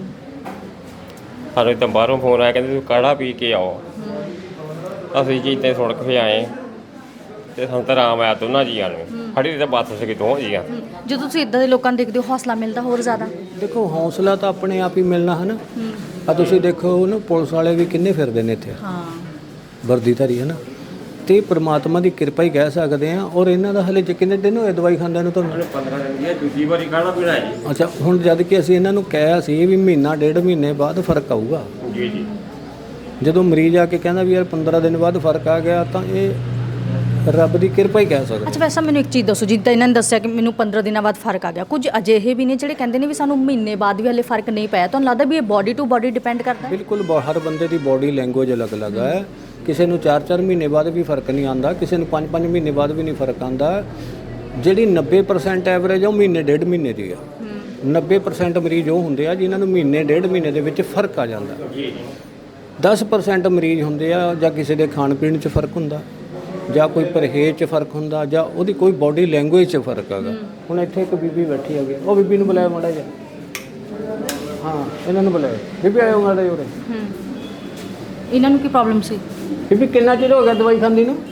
ਸਾਨੂੰ ਤਾਂ ਬਾਹਰੋਂ ਫੋਨ ਆਇਆ, ਕਹਿੰਦੇ ਤੁਸੀਂ ਕਾੜਾ ਪੀ ਕੇ ਆਓ। ਅਸੀਂ ਜੀ ਤੇ ਸੁਣ ਕੇ ਆਏ ਤੇ ਸਾਨੂੰ ਤਾਂ ਆਰਾਮ ਆਇਆ ਦੋਨਾਂ ਜੀਆਂ ਨੂੰ। ਖੜੀ ਤਾਂ ਬਾਤ ਸੀ ਦੋਹਾਂ ਜੀਆਂ। ਜਦੋਂ ਤੁਸੀਂ ਇਦਾਂ ਦੇ ਲੋਕਾਂ ਨੂੰ ਦੇਖਦੇ ਹੋ ਹੌਸਲਾ ਮਿਲਦਾ ਹੋਰ ਜ਼ਿਆਦਾ? ਦੇਖੋ ਹੌਸਲਾ ਤਾਂ ਆਪਣੇ ਆਪ ਹੀ ਮਿਲਣਾ ਹੈ ਨਾ। ਆ ਤੁਸੀਂ ਦੇਖੋ ਨਾ ਪੁਲਿਸ ਵਾਲੇ ਵੀ ਕਿੰਨੇ ਫਿਰਦੇ ਨੇ ਇੱਥੇ ਵਰਦੀਧਾਰੀ ਹੈ ਨਾ। ਤੇ ਪ੍ਰਮਾਤਮਾ ਦੀ ਕਿਰਪਾ ਹੀ ਕਹਿ ਸਕਦੇ ਆ। ਔਰ ਇਹਨਾਂ ਦਾ ਹਲੇ ਕਿੰਨੇ ਦਿਨ ਹੋਏ ਦਵਾਈ ਖਾਂਦਿਆਂ ਨੂੰ? ਤੁਹਾਨੂੰ 15 ਦਿਨ ਦੀ ਦੂਜੀ ਵਾਰੀ ਕਾੜਾ ਪੀਣਾ ਜੀ। ਅੱਛਾ, ਹੁਣ ਜਦ ਕਿ ਅਸੀਂ ਇਹਨਾਂ ਨੂੰ ਕਿਹਾ ਸੀ ਵੀ ਮਹੀਨਾ 1.5 ਮਹੀਨੇ ਬਾਅਦ ਫਰਕ ਆਊਗਾ। ਜੀ ਜੀ। ਜਦੋਂ ਮਰੀਜ਼ ਆ ਕੇ ਕਹਿੰਦਾ ਵੀ ਯਾਰ 15 ਦਿਨ ਬਾਅਦ ਫਰਕ ਆ ਗਿਆ ਤਾਂ ਇਹ ਰੱਬ ਦੀ ਕਿਰਪਾ ਹੀ ਕਹਿ ਸਕਦੇ। ਅੱਛਾ ਵੈਸੇ ਮੈਨੂੰ ਇੱਕ ਚੀਜ਼ ਦੱਸੋ, ਜਿੱਦਾਂ ਇਹਨਾਂ ਨੇ ਦੱਸਿਆ ਕਿ ਮੈਨੂੰ 15 ਦਿਨਾਂ ਬਾਅਦ ਫਰਕ ਆ ਗਿਆ, ਕੁਝ ਅਜਿਹੇ ਵੀ ਨੇ ਜਿਹੜੇ ਕਹਿੰਦੇ ਨੇ ਵੀ ਸਾਨੂੰ ਮਹੀਨੇ ਬਾਅਦ ਵੀ ਹਲੇ ਫਰਕ ਨਹੀਂ ਪਿਆ। ਤੁਹਾਨੂੰ ਲੱਗਦਾ ਵੀ ਇਹ ਬਾਡੀ ਟੂ ਬਾਡੀ ਡਿਪੈਂਡ ਕਰਦਾ? ਬਿਲਕੁਲ, ਹਰ ਬੰਦੇ ਦੀ ਬਾਡੀ ਲੈਂਗੁਏਜ ਅਲੱਗ-ਅਲੱਗ ਹੈ। ਕਿਸੇ ਨੂੰ 4-4 ਮਹੀਨੇ ਬਾਅਦ ਵੀ ਫਰਕ ਨਹੀਂ ਆਉਂਦਾ, ਕਿਸੇ ਨੂੰ 5-5 ਮਹੀਨੇ ਬਾਅਦ ਵੀ ਨਹੀਂ ਫਰਕ ਆਉਂਦਾ। ਜਿਹੜੀ 90% ਐਵਰੇਜ ਆ ਉਹ ਮਹੀਨੇ 1.5 ਮਹੀਨੇ ਦੀ ਆ। 90% ਮਰੀਜ਼ ਉਹ ਹੁੰਦੇ ਆ ਜਿਨ੍ਹਾਂ ਨੂੰ ਮਹੀਨੇ 1.5 ਮਹੀਨੇ ਦੇ ਵਿੱਚ ਫਰਕ ਆ ਜਾਂਦਾ। 10% ਮਰੀਜ਼ ਹੁੰਦੇ ਆ ਜਾਂ ਕਿਸੇ ਦੇ ਖਾਣ ਪੀਣ 'ਚ ਫਰਕ ਹੁੰਦਾ, ਜਾਂ ਕੋਈ ਪਰਹੇਜ਼ 'ਚ ਫਰਕ ਹੁੰਦਾ, ਜਾਂ ਉਹਦੀ ਕੋਈ ਬਾਡੀ ਲੈਂਗੁਏਜ 'ਚ ਫਰਕ ਹੈਗਾ। ਹੁਣ ਇੱਥੇ ਇੱਕ ਬੀਬੀ ਬੈਠੀ ਹੈਗੀ, ਉਹ ਬੀਬੀ ਨੂੰ ਬੁਲਾਇਆ ਮਾੜਾ ਜਿਹਾ। ਹਾਂ ਇਹਨਾਂ ਨੂੰ ਬੁਲਾਇਆ। ਬੀਬੀ ਆਇਓ ਮਾੜਾ ਜਿਹਾ ਉਰੇ। ਇਹਨਾਂ ਨੂੰ ਕੀ ਪ੍ਰੋਬਲਮ ਸੀ? ਬੀਬੀ ਕਿੰਨਾ ਚਿਰ ਹੋ ਗਿਆ ਦਵਾਈ ਖਾਂਦੀ ਨੂੰ?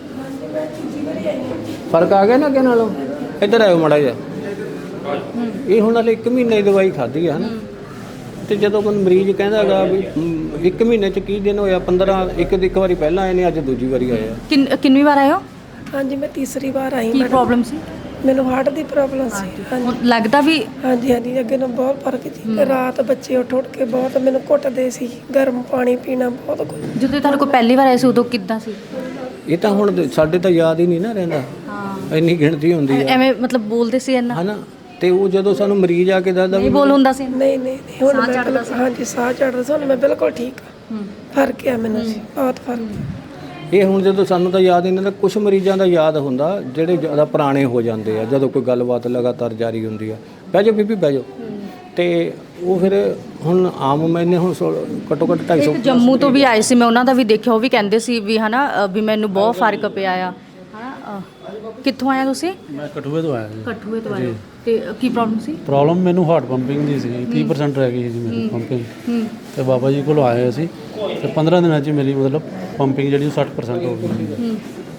ਫਰਕ ਆ ਗਿਆ ਨਾ ਅੱਗੇ ਨਾਲੋਂ? ਇੱਧਰ ਆਇਓ ਮਾੜਾ ਜਿਹਾ। ਇਹ ਹੁਣ ਹਲੇ 1 ਮਹੀਨੇ ਦੀ ਦਵਾਈ ਖਾਧੀ ਹੈ ਨਾ। ਤੇ ਜਦੋਂ ਕੋਈ ਮਰੀਜ਼ ਕਹਿੰਦਾ ਹੈਗਾ ਵੀ 1 ਮਹੀਨੇ 'ਚ ਕੀ ਦਿਨ ਹੋਇਆ, 15 ਇੱਕ ਵਾਰੀ ਪਹਿਲਾਂ ਆਏ ਨੇ, ਅੱਜ ਦੂਜੀ ਵਾਰੀ ਆਏ ਆ। ਕਿੰਨੀ ਵਾਰ ਆਏ ਹੋ? ਹਾਂਜੀ ਮੈਂ ਤੀਸਰੀ ਵਾਰ ਆਈ। ਕੀ ਪ੍ਰੋਬਲਮ ਸੀ? ਮੈਨੂੰ ਹਾਰਟ ਦੀ ਪ੍ਰੋਬਲਮ ਸੀ। ਹਾਂਜੀ ਲੱਗਦਾ ਵੀ ਹਾਂਜੀ ਅੱਗੇ ਨਾਲ ਬਹੁਤ ਫਰਕ ਸੀ। ਰਾਤ ਬੱਚੇ ਉੱਠ ਕੇ ਬਹੁਤ ਮੈਨੂੰ ਘੁੱਟਦੇ ਸੀ, ਗਰਮ ਪਾਣੀ ਪੀਣਾ ਬਹੁਤ ਕੁਝ। ਜਦੋਂ ਤੁਹਾਡੇ ਕੋਲ ਪਹਿਲੀ ਵਾਰ ਆਏ ਸੀ ਉਦੋਂ ਕਿੱਦਾਂ ਸੀ? ਇਹ ਤਾਂ ਹੁਣ ਸਾਡੇ ਤਾਂ ਯਾਦ ਹੀ ਨਹੀਂ ਨਾ ਰਹਿੰਦਾ, ਇੰਨੀ ਗਿਣਤੀ ਹੁੰਦੀ ਹੈ। ਐਵੇਂ ਮਤਲਬ ਬੋਲਦੇ ਸੀ ਇੰਨਾ ਹੈ ਨਾ। ਤੇ ਉਹ ਜਦੋਂ ਸਾਨੂੰ ਮਰੀਜ਼ ਆ ਕੇ ਦੱਸਦਾ ਨਹੀਂ ਬੋਲ ਹੁੰਦਾ ਸੀ? ਨਹੀਂ ਹੁਣ ਮੈਂ ਹਾਂਜੀ ਸਾਹ ਚੜਦਾ ਸੀ। ਹੁਣ ਮੈਂ ਬਿਲਕੁਲ ਠੀਕ ਹਾਂ। ਫਰਕ ਆ ਮੈਨੂੰ ਜੀ, ਬਹੁਤ ਫਰਕ। ਇਹ ਹੁਣ ਜਦੋਂ ਸਾਨੂੰ ਤਾਂ ਯਾਦ ਇਹਨਾਂ ਦਾ ਕੁਝ ਮਰੀਜ਼ਾਂ ਦਾ ਯਾਦ ਹੁੰਦਾ ਜਿਹੜੇ ਜ਼ਿਆਦਾ ਪੁਰਾਣੇ ਹੋ ਜਾਂਦੇ ਆ, ਜਦੋਂ ਕੋਈ ਗੱਲਬਾਤ ਲਗਾਤਾਰ ਜਾਰੀ ਹੁੰਦੀ ਆ। ਬਹਿ ਜਾਓ ਬੀਬੀ ਬਹਿ ਜਾਓ। ਤੇ ਉਹ ਫਿਰ ਹੁਣ ਆਮ ਮੈਨੇ ਹੁਣ ਘੱਟੋ ਘੱਟ 250 ਜੰਮੂ ਤੋਂ ਵੀ ਆਏ ਸੀ, ਮੈਂ ਉਹਨਾਂ ਦਾ ਵੀ ਦੇਖਿਆ। ਉਹ ਵੀ ਕਹਿੰਦੇ ਸੀ ਵੀ ਹਨਾ ਵੀ ਮੈਨੂੰ ਬਹੁਤ ਫਰਕ ਪਿਆ ਆ। ਕਿੱਥੋਂ ਆਇਆ ਤੁਸੀਂ? ਮੈਂ ਕਠੂਏ ਤੋਂ ਆਇਆ ਜੀ। ਕਠੂਏ ਤੋਂ ਆਏ। ਤੇ ਕੀ ਪ੍ਰੋਬਲਮ ਸੀ? ਪ੍ਰੋਬਲਮ ਮੈਨੂੰ ਹਾਰਟ ਪੰਪਿੰਗ ਦੀ ਸੀ। 30% ਰਹਿ ਗਈ ਸੀ ਮੇਰੀ ਪੰਪਿੰਗ। ਤੇ ਬਾਬਾ ਜੀ ਕੋਲ ਆਏ ਅਸੀਂ ਤੇ 15 ਦਿਨਾਂ 'ਚ ਮੇਰੀ ਮਤਲਬ ਪੰਪਿੰਗ ਜਿਹੜੀ 60% ਹੋ ਗਈ।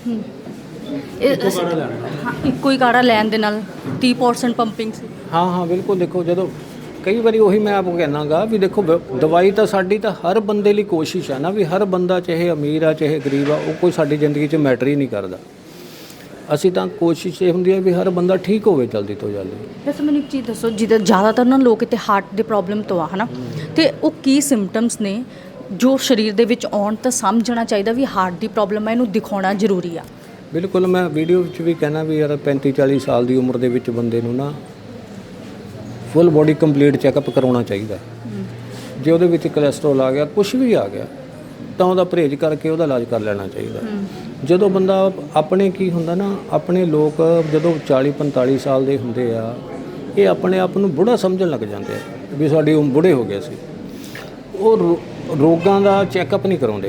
ਇੱਕੋ ਹੀ ਕਾੜਾ ਲੈਣ ਦੇ ਨਾਲ 30% ਪੰਪਿੰਗ ਸੀ? ਹਾਂ ਬਿਲਕੁਲ। ਦੇਖੋ ਜਦੋਂ ਕਈ ਵਾਰੀ ਉਹੀ ਮੈਂ ਆਪ ਕਹਿਣਾਗਾ ਵੀ ਦੇਖੋ ਦਵਾਈ ਤਾਂ ਸਾਡੀ ਤਾਂ ਹਰ ਬੰਦੇ ਲਈ ਕੋਸ਼ਿਸ਼ ਆ ਨਾ ਵੀ ਹਰ ਬੰਦਾ ਚਾਹੇ ਅਮੀਰ ਆ ਚਾਹੇ ਗਰੀਬ ਆ, ਉਹ ਕੋਈ ਸਾਡੀ ਜ਼ਿੰਦਗੀ 'ਚ ਮੈਟਰ ਹੀ ਨਹੀਂ ਕਰਦਾ। ਅਸੀਂ ਤਾਂ ਕੋਸ਼ਿਸ਼ ਇਹ ਹੁੰਦੀ ਹੈ ਵੀ ਹਰ ਬੰਦਾ ਠੀਕ ਹੋਵੇ ਜਲਦੀ ਤੋਂ ਜਲਦੀ। ਵੈਸੇ ਮੈਨੂੰ ਇੱਕ ਚੀਜ਼ ਦੱਸੋ, ਜਿੱਦਾਂ ਜ਼ਿਆਦਾਤਰ ਨਾ ਲੋਕ ਇੱਥੇ ਹਾਰਟ ਦੇ ਪ੍ਰੋਬਲਮ ਤੋਂ ਆ ਹਨਾ, ਤੇ ਉਹ ਕੀ ਸਿੰਪਟਮਸ ਨੇ ਜੋ ਸਰੀਰ ਦੇ ਵਿੱਚ ਆਉਣ ਤਾਂ ਸਮਝਣਾ ਚਾਹੀਦਾ ਵੀ ਹਾਰਟ ਦੀ ਪ੍ਰੋਬਲਮ ਹੈ, ਇਹਨੂੰ ਦਿਖਾਉਣਾ ਜ਼ਰੂਰੀ ਆ? ਬਿਲਕੁਲ, ਮੈਂ ਵੀਡੀਓ ਵਿੱਚ ਵੀ ਕਹਿਣਾ ਵੀ ਯਾਰ 35-40 ਸਾਲ ਦੀ ਉਮਰ ਦੇ ਵਿੱਚ ਬੰਦੇ ਨੂੰ ਨਾ ਫੁੱਲ ਬੋਡੀ ਕੰਪਲੀਟ ਚੈੱਕਅਪ ਕਰਾਉਣਾ ਚਾਹੀਦਾ। ਜੇ ਉਹਦੇ ਵਿੱਚ ਕੋਲੇਸਟ੍ਰੋਲ ਆ ਗਿਆ, ਕੁਝ ਵੀ ਆ ਗਿਆ, ਤਾਂ ਉਹਦਾ ਪਰਹੇਜ਼ ਕਰਕੇ ਉਹਦਾ ਇਲਾਜ ਕਰ ਲੈਣਾ ਚਾਹੀਦਾ। ਜਦੋਂ ਬੰਦਾ ਆਪਣੇ ਕੀ ਹੁੰਦਾ ਨਾ, ਆਪਣੇ ਲੋਕ ਜਦੋਂ 40-45 ਸਾਲ ਦੇ ਹੁੰਦੇ ਆ, ਇਹ ਆਪਣੇ ਆਪ ਨੂੰ ਬੁੜਾ ਸਮਝਣ ਲੱਗ ਜਾਂਦੇ ਆ ਵੀ ਸਾਡੀ ਉਮਰ ਬੁੜੇ ਹੋ ਗਏ ਸੀ। ਉਹ ਰੋਗਾਂ ਦਾ ਚੈੱਕਅਪ ਨਹੀਂ ਕਰਾਉਂਦੇ,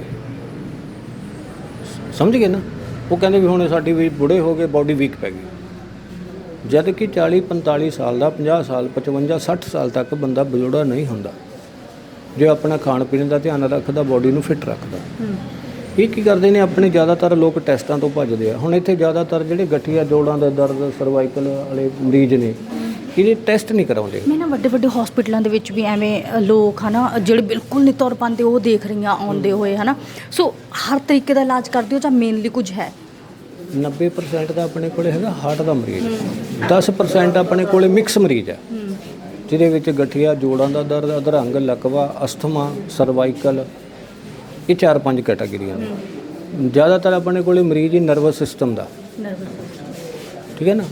ਸਮਝ ਗਏ ਨਾ। ਉਹ ਕਹਿੰਦੇ ਵੀ ਹੁਣ ਸਾਡੀ ਵੀ ਬੁੜੇ ਹੋ ਗਏ, ਬਾਡੀ ਵੀਕ ਪੈ ਗਈ। ਜਦ ਕਿ 40-45 ਸਾਲ ਦਾ, 50 ਸਾਲ, 55, 60 ਸਾਲ ਤੱਕ ਬੰਦਾ ਬਜ਼ੁਰਗਾ ਨਹੀਂ ਹੁੰਦਾ ਜੇ ਆਪਣਾ ਖਾਣ ਪੀਣ ਦਾ ਧਿਆਨ ਰੱਖਦਾ, ਬਾਡੀ ਨੂੰ ਫਿੱਟ ਰੱਖਦਾ। ਇਹ ਕੀ ਕਰਦੇ ਨੇ, ਆਪਣੇ ਜ਼ਿਆਦਾਤਰ ਲੋਕ ਟੈਸਟਾਂ ਤੋਂ ਭੱਜਦੇ ਆ। ਹੁਣ ਇੱਥੇ ਜ਼ਿਆਦਾਤਰ ਜਿਹੜੇ ਗਠੀਆ, ਜੋੜਾਂ ਦਾ ਦਰਦ, ਸਰਵਾਈਕਲ ਵਾਲੇ ਮਰੀਜ਼ ਨੇ, ਇਹਦੇ ਟੈਸਟ ਨਹੀਂ ਕਰਾਉਂਦੇ। ਮੈਂ ਨਾ ਵੱਡੇ ਵੱਡੇ ਹਸਪੀਟਲਾਂ ਦੇ ਵਿੱਚ ਵੀ ਐਵੇਂ ਲੋਕ ਹਨਾ ਜਿਹੜੇ ਬਿਲਕੁਲ ਨਹੀਂ ਤੁਰ ਪਾਉਂਦੇ, ਉਹ ਦੇਖ ਰਹੀਆਂ ਆਉਂਦੇ ਹੋਏ ਹਨਾ। ਸੋ ਹਰ ਤਰੀਕੇ ਦਾ ਇਲਾਜ ਕਰਦੇ ਹੋ ਜਾਂ ਮੇਨਲੀ ਕੁਝ ਹੈ? 90% ਦਾ ਆਪਣੇ ਕੋਲੇ ਹੈਗਾ ਹਾਰਟ ਦਾ ਮਰੀਜ਼, 10% ਆਪਣੇ ਕੋਲੇ ਮਿਕਸ ਮਰੀਜ਼ ਹੈ ਜਿਹਦੇ ਵਿੱਚ ਗਠੀਆ, ਜੋੜਾਂ ਦਾ ਦਰਦ, ਅਧਰੰਗ, ਲਕਵਾ, ਅਸਥਮਾ, ਸਰਵਾਈਕਲ, ਇਹ 4-5 ਕੈਟਾਗਰੀਆਂ ਨੇ। ਜ਼ਿਆਦਾਤਰ ਆਪਣੇ ਕੋਲੇ ਮਰੀਜ਼ ਹੀ ਨਰਵਸ ਸਿਸਟਮ ਦਾ, ਠੀਕ ਹੈ ਨਾ।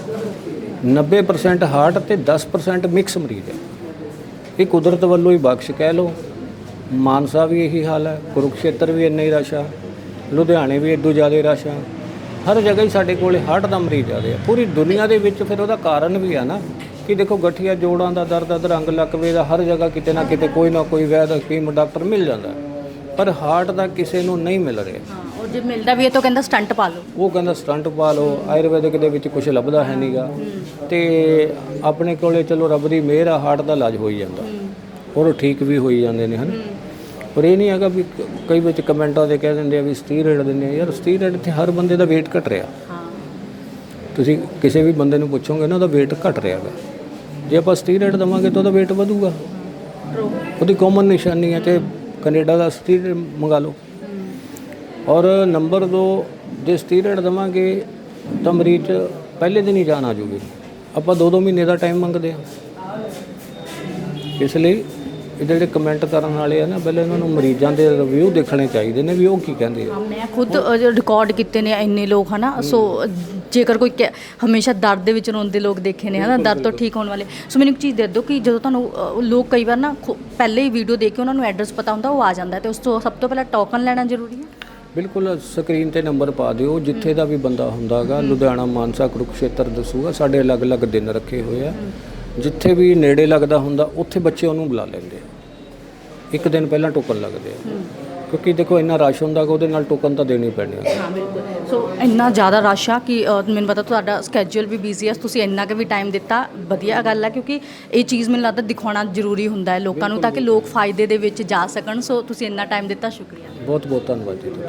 90% ਹਾਰਟ ਤੇ 10% ਮਿਕਸ ਮਰੀਜ਼ ਹੈ। ਇਹ ਕੁਦਰਤ ਵੱਲੋਂ ਹੀ ਬਖਸ਼ ਕਹਿ ਲਓ। ਮਾਨਸਾ ਵੀ ਇਹੀ ਹਾਲ ਹੈ, ਕੁਰੂਕਸ਼ੇਤਰ ਵੀ ਇੰਨਾ ਹੀ ਰਸ਼ ਆ, ਲੁਧਿਆਣੇ ਵੀ ਇਦੋਂ ਜ਼ਿਆਦਾ ਰਸ਼ ਆ। ਹਰ ਜਗ੍ਹਾ ਹੀ ਸਾਡੇ ਕੋਲੇ ਹਾਰਟ ਦਾ ਮਰੀਜ਼ ਜ਼ਿਆਦਾ ਆ ਪੂਰੀ ਦੁਨੀਆ ਦੇ ਵਿੱਚ। ਫਿਰ ਉਹਦਾ ਕਾਰਨ ਵੀ ਆ ਨਾ ਕਿ ਦੇਖੋ ਗਠੀਆ, ਜੋੜਾਂ ਦਾ ਦਰਦ, ਅਧਰੰਗ, ਲਕਵੇ ਦਾ ਹਰ ਜਗ੍ਹਾ ਕਿਤੇ ਨਾ ਕਿਤੇ ਕੋਈ ਨਾ ਕੋਈ ਵੈਦ, ਹਕੀਮ, ਡਾਕਟਰ ਮਿਲ ਜਾਂਦਾ, ਪਰ ਹਾਰਟ ਦਾ ਕਿਸੇ ਨੂੰ ਨਹੀਂ ਮਿਲ ਰਿਹਾ। ਔਰ ਜੇ ਮਿਲਦਾ ਵੀ ਹੈ ਤਾਂ ਕਹਿੰਦਾ ਸਟੰਟ ਪਾ ਲਓ, ਉਹ ਕਹਿੰਦਾ ਸਟੰਟ ਪਾ ਲਓ। ਆਯੁਰਵੈਦਿਕ ਦੇ ਵਿੱਚ ਕੁਝ ਲੱਭਦਾ ਹੈ ਨਹੀਂਗਾ। ਤੇ ਆਪਣੇ ਕੋਲੇ ਚਲੋ ਰੱਬ ਦੀ ਮਿਹਰ ਆ, ਹਾਰਟ ਦਾ ਇਲਾਜ ਹੋਈ ਜਾਂਦਾ, ਔਰ ਠੀਕ ਵੀ ਹੋਈ ਜਾਂਦੇ ਨੇ ਹਨ। ਪਰ ਇਹ ਨਹੀਂ ਹੈਗਾ ਵੀ ਕਈ ਵਿੱਚ ਕਮੈਂਟਾਂ ਦੇ ਕਹਿ ਦਿੰਦੇ ਆ ਵੀ ਸਟੀਰੋਇਡ ਦਿੰਦੇ ਆ। ਯਾਰ ਸਟੀਰੋਇਡ ਤੇ ਹਰ ਬੰਦੇ ਦਾ weight ਘਟ ਰਿਹਾ। ਤੁਸੀਂ ਕਿਸੇ ਵੀ ਬੰਦੇ ਨੂੰ ਪੁੱਛੋਗੇ ਨਾ, ਉਹਦਾ weight ਘਟ ਰਿਹਾ ਹੈ। ਜੇ ਆਪਾਂ ਸਟੀਰੋਇਡ ਦੇਵਾਂਗੇ ਤਾਂ ਉਹਦਾ weight ਵਧੂਗਾ। ਉਹਦੀ ਕਾਮਨ ਨਿਸ਼ਾਨੀ ਹੈ। ਤੇ ਕੈਨੇਡਾ ਦਾ ਸਟੀਰੋਇਡ ਮੰਗਾ ਲਓ। ਔਰ ਨੰਬਰ 2, ਜੇ ਸਟੀਰੋਇਡ ਦੇਵਾਂਗੇ ਤਾਂ ਮਰੀਜ਼ ਪਹਿਲੇ ਦਿਨ ਹੀ ਜਾਨ ਆ ਜੂਗੀ। ਆਪਾਂ 2-2 ਮਹੀਨੇ ਦਾ ਟਾਈਮ ਮੰਗਦੇ ਹਾਂ। ਇਸ ਲਈ ਇਹ ਜਿਹੜੇ ਕਮੈਂਟ ਕਰਨ ਵਾਲੇ ਆ ਨਾ, ਪਹਿਲੇ ਇਹਨਾਂ ਨੂੰ ਮਰੀਜ਼ਾਂ ਦੇ ਰਿਵਿਊ ਦੇਖਣੇ ਚਾਹੀਦੇ ਨੇ ਵੀ ਉਹ ਕੀ ਕਹਿੰਦੇ ਆ। ਮੈਂ ਖੁਦ ਰਿਕਾਰਡ ਕੀਤੇ ਨੇ ਇੰਨੇ ਲੋਕ ਹਨਾ। ਸੋ ਜੇਕਰ ਕੋਈ ਹਮੇਸ਼ਾ ਦਰਦ ਦੇ ਵਿੱਚ ਰੋਂਦੇ ਲੋਕ ਦੇਖੇ ਨੇ ਹਨਾ, ਦਰਦ ਤੋਂ ਠੀਕ ਹੋਣ ਵਾਲੇ। ਸੋ ਮੈਨੂੰ ਇੱਕ ਚੀਜ਼ ਦੇ ਦਿਓ ਕਿ ਜਦੋਂ ਤੁਹਾਨੂੰ ਲੋਕ ਕਈ ਵਾਰ ਨਾ ਪਹਿਲੇ ਹੀ ਵੀਡੀਓ ਦੇਖ ਕੇ ਉਹਨਾਂ ਨੂੰ ਐਡਰੈਸ ਪਤਾ ਹੁੰਦਾ, ਉਹ ਆ ਜਾਂਦਾ, ਤੇ ਉਸ ਤੋਂ ਸਭ ਤੋਂ ਪਹਿਲਾਂ ਟੋਕਨ ਲੈਣਾ ਜ਼ਰੂਰੀ ਹੈ। ਬਿਲਕੁਲ, ਸਕਰੀਨ ਤੇ ਨੰਬਰ ਪਾ ਦਿਓ, ਜਿੱਥੇ ਦਾ ਵੀ ਬੰਦਾ ਹੁੰਦਾਗਾ, ਲੁਧਿਆਣਾ, ਮਾਨਸਾ, ਕੁਰੂਕਸ਼ੇਤਰ ਦੱਸੂਗਾ। ਸਾਡੇ ਅਲੱਗ-ਅਲੱਗ ਦਿਨ ਰੱਖੇ ਹੋਏ ਆ। ਜਿੱਥੇ ਵੀ ਨੇੜੇ ਲੱਗਦਾ ਹੁੰਦਾ ਉੱਥੇ ਬੱਚੇ ਉਹਨੂੰ ਬੁਲਾ ਲੈਂਦੇ ਆ। ਇੱਕ ਦਿਨ ਪਹਿਲਾਂ ਟੋਕਨ ਲੱਗਦੇ ਆ, ਕਿਉਂਕਿ ਦੇਖੋ ਇੰਨਾ ਰਸ਼ ਹੁੰਦਾ ਕਿ ਉਹਦੇ ਨਾਲ ਟੋਕਨ ਤਾਂ ਦੇਣੀ ਪੈਣੀ ਆ। ਹਾਂ ਬਿਲਕੁਲ। ਸੋ ਇੰਨਾ ਜ਼ਿਆਦਾ ਰਸ਼ ਆ ਕਿ ਮੈਨੂੰ ਪਤਾ ਤੁਹਾਡਾ ਸਕੈਜੂਅਲ ਵੀ ਬਿਜ਼ੀ ਹੈ, ਤੁਸੀਂ ਇੰਨਾ ਕੁ ਵੀ ਟਾਈਮ ਦਿੱਤਾ, ਵਧੀਆ ਗੱਲ ਹੈ। ਕਿਉਂਕਿ ਇਹ ਚੀਜ਼ ਮੈਨੂੰ ਲੱਗਦਾ ਦਿਖਾਉਣਾ ਜ਼ਰੂਰੀ ਹੁੰਦਾ ਹੈ ਲੋਕਾਂ ਨੂੰ, ਤਾਂ ਕਿ ਲੋਕ ਫਾਇਦੇ ਦੇ ਵਿੱਚ ਜਾ ਸਕਣ। ਸੋ ਤੁਸੀਂ ਇੰਨਾ ਟਾਈਮ ਦਿੱਤਾ, ਸ਼ੁਕਰੀਆ। ਬਹੁਤ ਬਹੁਤ ਧੰਨਵਾਦ ਜੀ।